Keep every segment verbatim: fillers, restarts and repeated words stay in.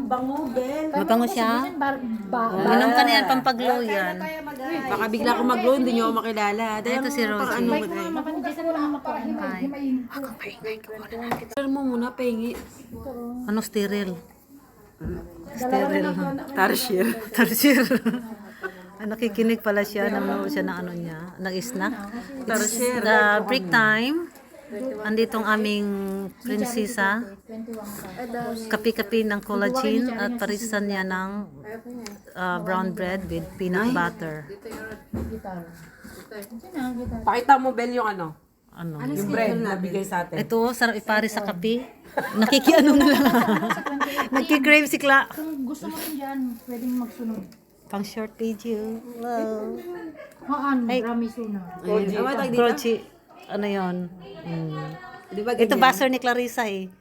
bango, Bel. Mabango siya? Inom ka na yan, pampaglow yan. Baka bigla akong mag-glow, hindi nyo ako makilala. Dahil Ito si Rosie. Ano mo tayo? Pero mo muna, pahingi. Ano sterile? Sterile. Tarsier. Tarsier. Ah, nakikinig pala siya, nanonood siya ng ano niya, ng snack. It's the break time. Andito ang aming prinsesa. Kapi-kapi ng collagen at parisan niya ng uh, brown bread with peanut butter. Pakita mo, Bel, yung ano? Ano? Yung bread na bigay sa atin. Ito, sarap ipari sa kape. Nakikiano na lang. Nagki-crave si Kla. Kung gusto mo rin dyan, pwedeng magsunod. Pang short video. Hello. Haan, ramiso na. Crochi. Ano yun? Hmm. Di ba Ito ganyan? baser ni Clarissa eh.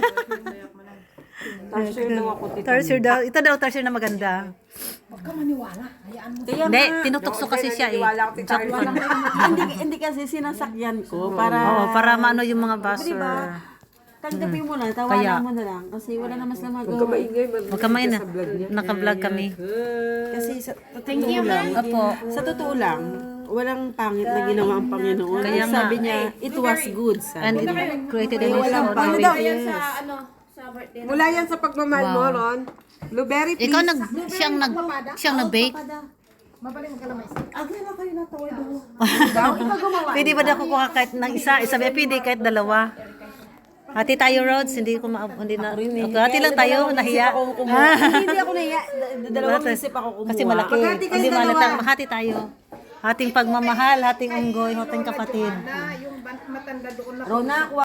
Tarsier daw ako, tita. Tarsier daw. Ito daw tarsier na maganda. Huwag ka maniwala. Hayaan mo. Kaya Hindi, nga, tinutokso kasi siya eh. Wala ako, tita. hindi, hindi kasi sinasakyan ko para... Oo, para maano yung mga baser. Diba? Tanggapin mo na, tawanan Kaya. mo na lang. Kasi wala naman sila magawa. Huwag ka main na. Naka-vlog kami. Kasi sa totoo lang, Apo. sa totoo lang, walang pangit na ginawa ang Panginoon. Kaya nga. Sabi niya, it was good. And Sabi. it created in his Walang own pangit. way. Yes. Mula yan sa pagmamahal mo, Ron. Blueberry, please. Ikaw nag siyang nag siyang nag-bake. Mabaling ka lamay. Agad na kayo natawad doon. Pwede ba na kukuha kahit ng isa? Isabi, pwede kahit dalawa. Hati tayo, Rods. Hindi ko ma... Hindi na... Okay, hati lang tayo. Nahiya. Hindi ako nahiya. D- Dalawang isip ako kumuha. Kasi malaki. Hindi malata. Mahati tayo. Hating pagmamahal, hating unggoy, hating kapatid. Yung matanda doon na. Rona,